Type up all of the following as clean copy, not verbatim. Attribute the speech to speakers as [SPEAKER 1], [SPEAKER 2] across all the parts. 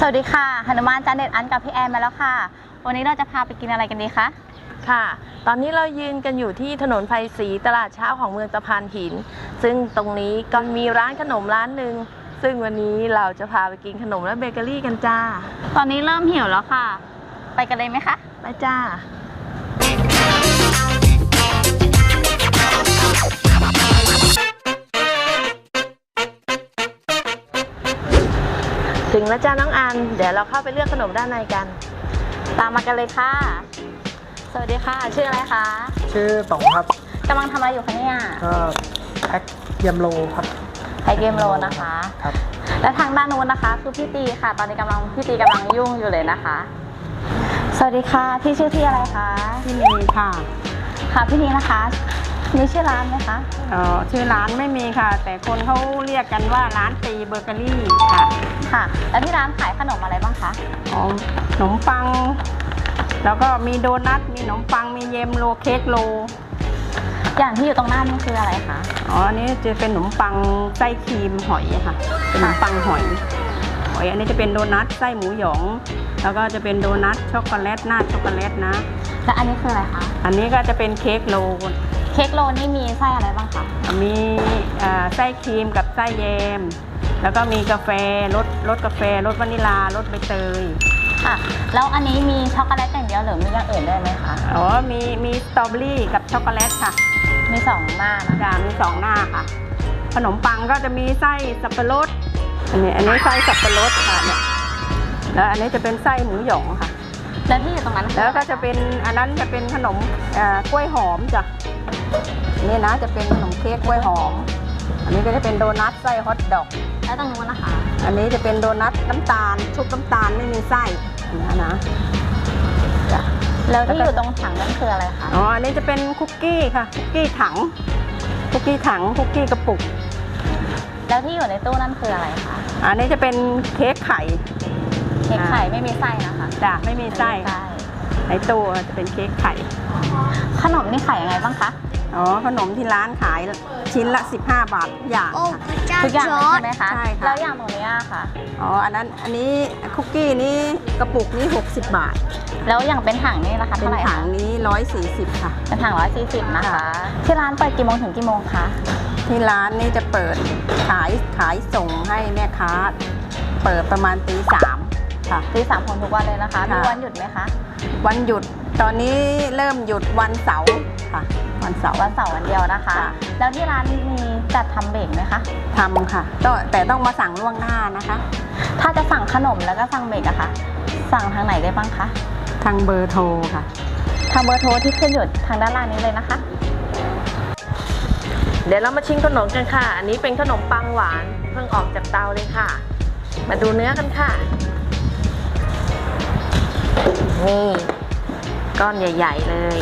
[SPEAKER 1] วัสดีค่ะหนุมานจานเด็ดอันกับพี่แอนมาแล้วค่ะวันนี้เราจะพาไปกินอะไรกันดีคะ
[SPEAKER 2] ค่ะตอนนี้เรายืนกันอยู่ที่ถนนไผ่ศรีตลาดเช้าของเมืองตะพานหินซึ่งตรงนี้ก็มีร้านขนมร้านหนึ่งซึ่งวันนี้เราจะพาไปกินขนมและเบเกอรี่กันจ้า
[SPEAKER 1] ตอนนี้เริ่มหิวแล้วค่ะไปกันเลยไหมคะ
[SPEAKER 2] ไปจ้าถึงแล้วจ้าน้องอันเดี๋ยวเราเข้าไปเลือกขนมด้านในกัน
[SPEAKER 1] ตามมากันเลยค่ะสวัสดีค่ะชื่ออะไรคะ
[SPEAKER 3] ชื่อต๋องครับ
[SPEAKER 1] กำลังทำอะไรอยู่คะเนี่ย
[SPEAKER 3] ก็แพ็คเยมโลครับ
[SPEAKER 1] แพ็คเยมโลนะคะ
[SPEAKER 3] ครับ
[SPEAKER 1] และทางด้านนู้นนะคะคือพี่ตีค่ะตอนนี้พี่ตีกำลังยุ่งอยู่เลยนะคะสวัสดีค่ะพี่ชื่อที่อะไรคะ
[SPEAKER 4] พี่นีค่ะ
[SPEAKER 1] ค่ะพี่นีนะคะมีชื่อร้านไหมคะ
[SPEAKER 4] ชื่อร้านไม่มีค่ะแต่คนเขาเรียกกันว่าร้านตีเบเกอรี่ค่ะ
[SPEAKER 1] ค่ะแล้วที่ร้านขายขนมอะไรบ้างคะ
[SPEAKER 4] ขนมปังแล้วก็มีโดนัทมีขนมปังมีเยมโลเค้กโล
[SPEAKER 1] อย่างที่อยู่ตรงหน้านี่คืออะไรคะ
[SPEAKER 4] อันนี้จะเป็นขนมปังไส้ครีมหอยค่ะเป็นขนมปังหอยอันนี้จะเป็นโดนัทไส้หมูหยองแล้วก็จะเป็นโดนัทช็อกโกแลตหน้าช็อกโกแลตนะ
[SPEAKER 1] และอันนี้คืออะไรคะ
[SPEAKER 4] อันนี้ก็จะเป็นเค้กโล
[SPEAKER 1] นี่มีไส้อะไรบ้างคะ
[SPEAKER 4] มีไส้ครีมกับไส้แยมแล้วก็มีกาแฟรสกาแฟรสวานิลารสใบเตย
[SPEAKER 1] ค่ะแล้วอันนี้มีช็อกโกแลตอย่างเดียวหรือมีอย่างอื่นได้ไหมคะ
[SPEAKER 4] มีสตรอเบอรี่กับช็อกโกแลตค่ะ
[SPEAKER 1] มี2หน้านะคะ
[SPEAKER 4] มี2หน้าค่ะขนมปังก็จะมีไส้สับปะรดอันนี้ไส้สับปะรดค่ะเนี่ยแล้วอันนี้จะเป็นไส้หมูหยองค่ะ
[SPEAKER 1] แล้วที่อยู่ตรงนั้น
[SPEAKER 4] แล้วก็จะเป็นอันนั้นจะเป็นขนมกล้วยหอมจ้ะนี่นะจะเป็นขนมเค้กกล้วยหอมอันนี้ก็จะเป็นโดนัทไส้ฮอทดอก
[SPEAKER 1] แล้วตรงนู้นนะคะ
[SPEAKER 4] อันนี้จะเป็นโดนัทน้ำตาลชุบน้ำตาลไม่มีไส้อันนี้นะ
[SPEAKER 1] แล้วที่อยู่ตรงถังนั่นคืออะไรคะ
[SPEAKER 4] อันนี้จะเป็นคุกกี้ค่ะคุกกี้ถังคุกกี้กระปุก
[SPEAKER 1] แล้วที่อยู่ในตู้นั่นคืออะไรคะ
[SPEAKER 4] อันนี้จะเป็นเค้กไข่
[SPEAKER 1] ไม่มีไส้นะคะ
[SPEAKER 4] จ้ะไม่มีไส้ในตู้จะเป็นเค้กไข่
[SPEAKER 1] ขนมนี่ขายยังไงบ้างคะ
[SPEAKER 4] ขนมที่ร้านขายชิ้นละ15 บาทอย่าง
[SPEAKER 1] ทุกอย่างใช่ไหมคะ
[SPEAKER 4] ใช่ค่ะ
[SPEAKER 1] แล้วอย่างตรงนี้ค่ะ
[SPEAKER 4] อันนี้คุกกี้นี้กระปุกนี้60 บาท
[SPEAKER 1] แล้วอย่างเป็นถังนี่ราคาเท่าไหร่
[SPEAKER 4] เป็นถังนี้140ค่ะ
[SPEAKER 1] เป็นถัง140นะคะที่ร้านเปิดกี่โมงถึงกี่โมงคะ
[SPEAKER 4] ที่ร้านนี่จะเปิดขายส่งให้แม่ค้าเปิดประมาณตี 3ค่ะ
[SPEAKER 1] ตี 3ของทุกวันเลยนะคะมีวันหยุดไหมคะ
[SPEAKER 4] วันหยุดตอนนี้เริ่มหยุดวันเสาร์ค่ะวันเสาร์
[SPEAKER 1] วันเดียวนะคะแล้วที่ร้านมีจัดทำเบรกไหมคะ
[SPEAKER 4] ทำค่ะแต่ต้องมาสั่งล่วงหน้านะคะ
[SPEAKER 1] ถ้าจะสั่งขนมแล้วก็สั่งเบรกอะคะสั่งทางไหนได้บ้างคะ
[SPEAKER 4] ทางเบอร์โทรค่ะ
[SPEAKER 1] ทางเบอร์โทรที่ขึ้นอยู่ทางด้านล่างนี้เลยนะคะ
[SPEAKER 2] เดี๋ยวเรามาชิมขนมกันค่ะอันนี้เป็นขนมปังหวานเพิ่งออกจากเตาเลยค่ะมาดูเนื้อกันค่ะนี่ก้อนใหญ่ๆเลย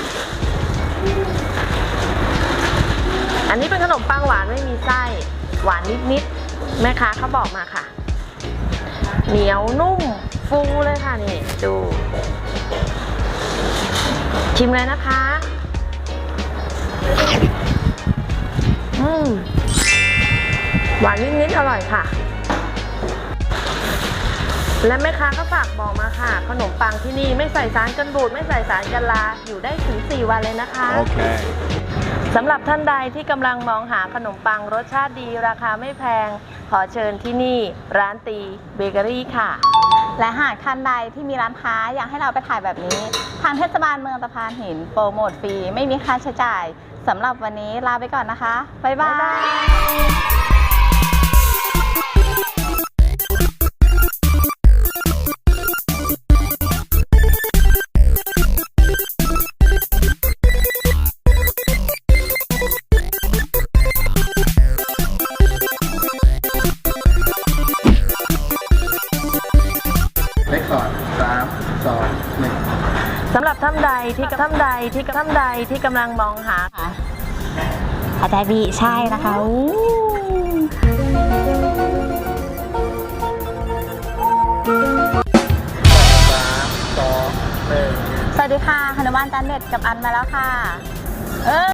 [SPEAKER 2] อันนี้เป็นขนมปังหวานไม่มีไส้หวานนิดๆแม่ค้าเขาบอกมาค่ะเหนียวนุ่มฟูเลยค่ะนี่ดูชิมเลยนะคะหวานนิดๆอร่อยค่ะและแม่ค้าก็ฝากบอกมาค่ะขนมปังที่นี่ไม่ใส่สารกันบูดไม่ใส่สารกันราอยู่ได้ถึง4 วันเลยนะคะ
[SPEAKER 3] โอเค
[SPEAKER 2] สำหรับท่านใดที่กำลังมองหาขนมปังรสชาติดีราคาไม่แพงขอเชิญที่นี่ร้านตีเบเกอรี่ค่ะ
[SPEAKER 1] และหากท่านใดที่มีร้านค้าอยากให้เราไปถ่ายแบบนี้ทางเทศบาลเมืองตะพานหินโปรโมทฟรีไม่มีค่าใช้จ่ายสำหรับวันนี้ลาไปก่อนนะคะบ๊ายบาย
[SPEAKER 2] สำหรับท่านใดที่กำลังมองหา
[SPEAKER 1] อาจารย์บีใช่นะคะสวัสดีค่ะหนุมานจานเด็ดกับอันมาแล้วค่ะ